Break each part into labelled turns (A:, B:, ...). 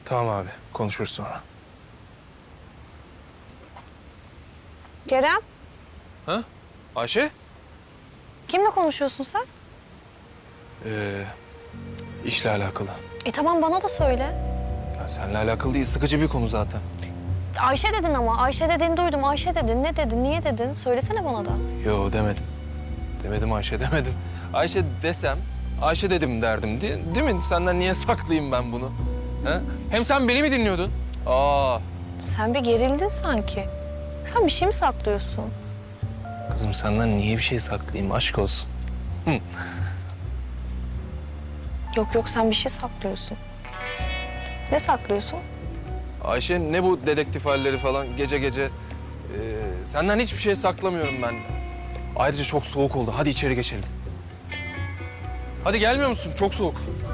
A: Tamam abi, konuşuruz sonra.
B: Kerem,
A: Ha? Ayşe?
B: kimle konuşuyorsun sen?
A: İşle alakalı.
B: Tamam bana da söyle.
A: Ya seninle alakalı değil, sıkıcı bir konu zaten.
B: Ayşe dedin ama. Ayşe dediğini duydum. Ayşe dedin. Ne dedin? Niye dedin? Söylesene bana da.
A: Yo demedim. Demedim Ayşe, demedim. Ayşe desem, Ayşe dedim derdim. Değil mi? Senden niye saklayayım ben bunu? Ha? Hem sen beni mi dinliyordun? Aa,
B: Sen bir gerildin sanki. Sen bir şey mi saklıyorsun?
A: kızım senden niye bir şey saklayayım? Aşk olsun.
B: Yok sen bir şey saklıyorsun. Ne saklıyorsun?
A: Ayşe ne bu dedektif halleri falan gece gece? Senden hiçbir şey saklamıyorum ben. Ayrıca çok soğuk oldu. Hadi içeri geçelim. Hadi gelmiyor musun? Çok soğuk.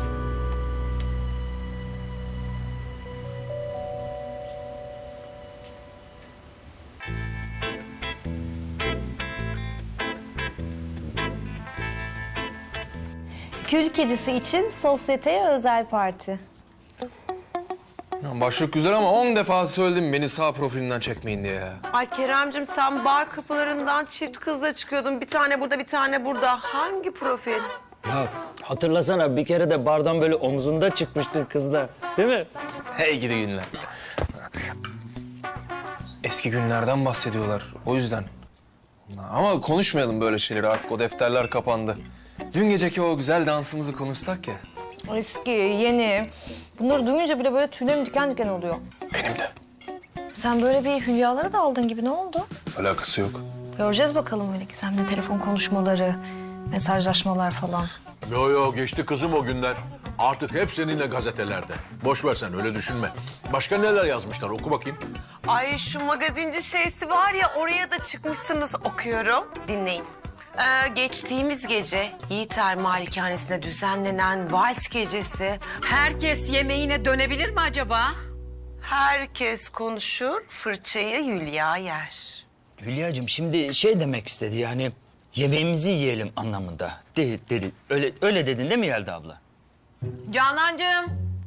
C: Kül kedisi için sosyeteye özel parti.
A: Ya başlık güzel ama 10 defa söyledim beni sağ profilimden çekmeyin diye ya.
D: Ay Keremcim sen bar kapılarından çift kızla çıkıyordun. Bir tane burada, bir tane burada. Hangi profil?
E: Ya hatırlasana bir kere de bardan böyle omzunda çıkmıştın kızla. Değil mi?
A: Hey gidi günler. Eski günlerden bahsediyorlar o yüzden. Ama konuşmayalım böyle şeyleri artık o defterler kapandı. Dün geceki o güzel dansımızı konuşsak ya.
C: Eski, yeni. Bunları duyunca bile böyle tüylerim diken diken oluyor.
A: Benim de.
B: Sen böyle bir hülyalara daldın gibi. Ne oldu?
A: Alakası yok.
B: Göreceğiz bakalım öyle gizemli telefon konuşmaları, mesajlaşmalar falan.
F: Yo geçti kızım o günler. Artık hep seninle gazetelerde. Boş ver sen öyle düşünme. Başka neler yazmışlar oku bakayım.
D: Ay şu magazinci şeysi var ya oraya da çıkmışsınız okuyorum. Dinleyin. Geçtiğimiz gece Yiğiter Malikanesi'nde düzenlenen vals gecesi.
G: Herkes yemeğine dönebilir mi acaba?
D: Herkes konuşur, fırçayı Hülya yer.
E: Hülya'cığım şimdi şey demek istedi yani yemeğimizi yiyelim anlamında. Dedi. Öyle dedin değil mi Yelda abla?
G: Canancığım.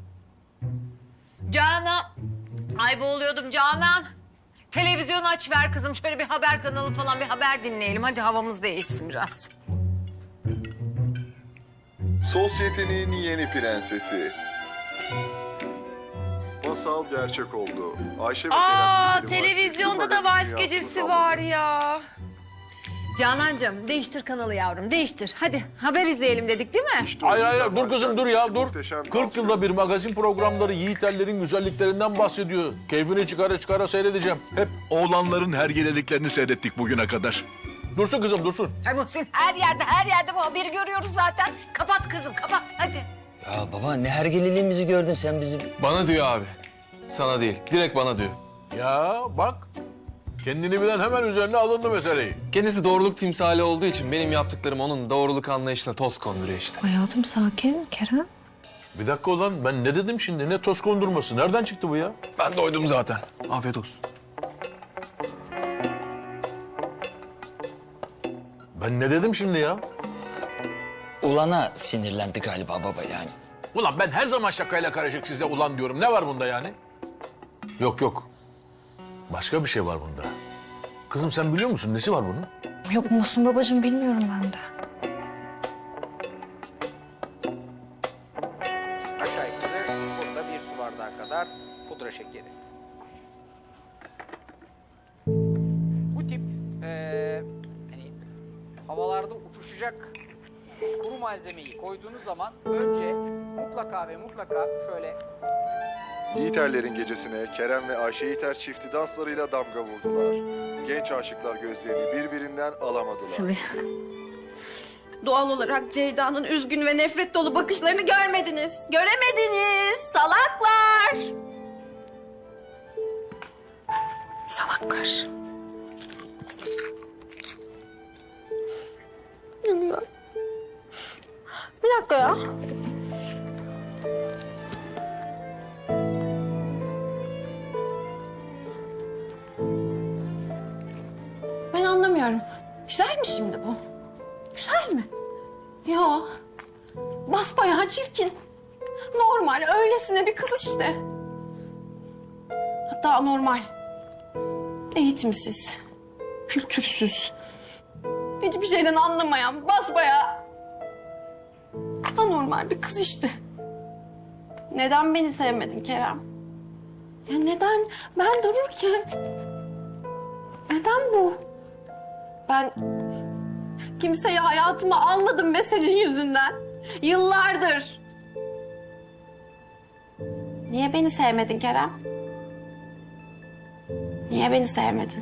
G: Canan. Ay boğuluyordum Canan. Televizyonu aç ver kızım. Şöyle bir haber kanalı falan bir haber dinleyelim. Hadi havamız değişsin biraz.
H: Sosyetenin yeni prensesi. Masal gerçek oldu. Ayşe ve Kerem Gümrük
D: Televizyonda da
H: magazin
D: vals
H: dünyasını
D: gecesi
H: salladı.
D: var ya.
G: Canancığım değiştir kanalı yavrum değiştir. Hadi haber izleyelim dedik değil mi?
H: İşte
F: Hayır
H: o yüzden
F: hayır dur kızım dur ya dur.
H: muhteşem
F: 40 yılda bir magazin programları yiğiterlerin güzelliklerinden bahsediyor. Keyfini çıkara seyredeceğim. Hep
I: Oğlanların hergeleliklerini seyrettik bugüne kadar.
F: dursun kızım dursun.
G: Ay Muhsin her yerde bu haberi görüyoruz zaten. Kapat kızım kapat hadi.
E: Ya baba ne hergeliliğimizi gördün sen bizim.
A: Bana diyor abi. Sana değil. Direkt bana diyor.
F: Ya bak kendini bilen hemen üzerine alındı meseleyi.
A: Kendisi doğruluk timsali olduğu için benim yaptıklarım onun doğruluk anlayışına toz konduruyor işte.
B: Hayatım sakin Kerem.
F: Bir dakika ulan ben ne dedim şimdi ne toz kondurması nereden çıktı bu ya?
A: Ben doydum zaten. Afiyet olsun.
F: Ben ne dedim şimdi ya?
E: Ulana sinirlendi galiba baba yani.
F: Ulan ben her zaman şakayla karışık size ulan diyorum. Ne var bunda yani? Yok. Başka bir şey var bunda. Kızım sen biliyor musun nesi var bunun?
B: Yok Muhsin babacığım bilmiyorum ben de.
J: Aşağı yukarı burada bir su bardağı kadar pudra şekeri. Bu tip hani havalarda uçuşacak kuru malzemeyi koyduğunuz zaman önce mutlaka ve mutlaka şöyle
H: Yiğiterlerin gecesine Kerem ve Ayşe Yiğiter çifti danslarıyla damga vurdular. Genç aşıklar gözlerini birbirinden alamadılar.
D: Doğal olarak Ceyda'nın üzgün ve nefret dolu bakışlarını görmediniz. Göremediniz salaklar. Salaklar. Yanıyor. Bir dakika ya. Ben anlamıyorum. Güzel mi şimdi bu? Güzel mi? Yo. Basbayağı çirkin. Normal, öylesine bir kız işte.
K: Hatta anormal. Eğitimsiz. Kültürsüz. Hiçbir şeyden anlamayan, basbayağı anormal bir kız işte. Neden beni sevmedin Kerem? Ya neden? Ben dururken... Neden bu? Ben kimseyi hayatıma almadım be senin yüzünden. Yıllardır. Niye beni sevmedin Kerem? Niye beni sevmedin?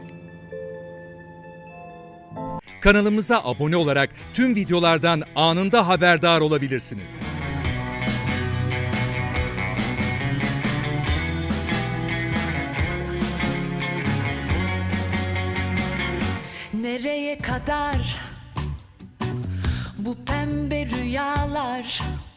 L: Kanalımıza abone olarak tüm videolardan anında haberdar olabilirsiniz.
M: Nereye kadar bu pembe rüyalar?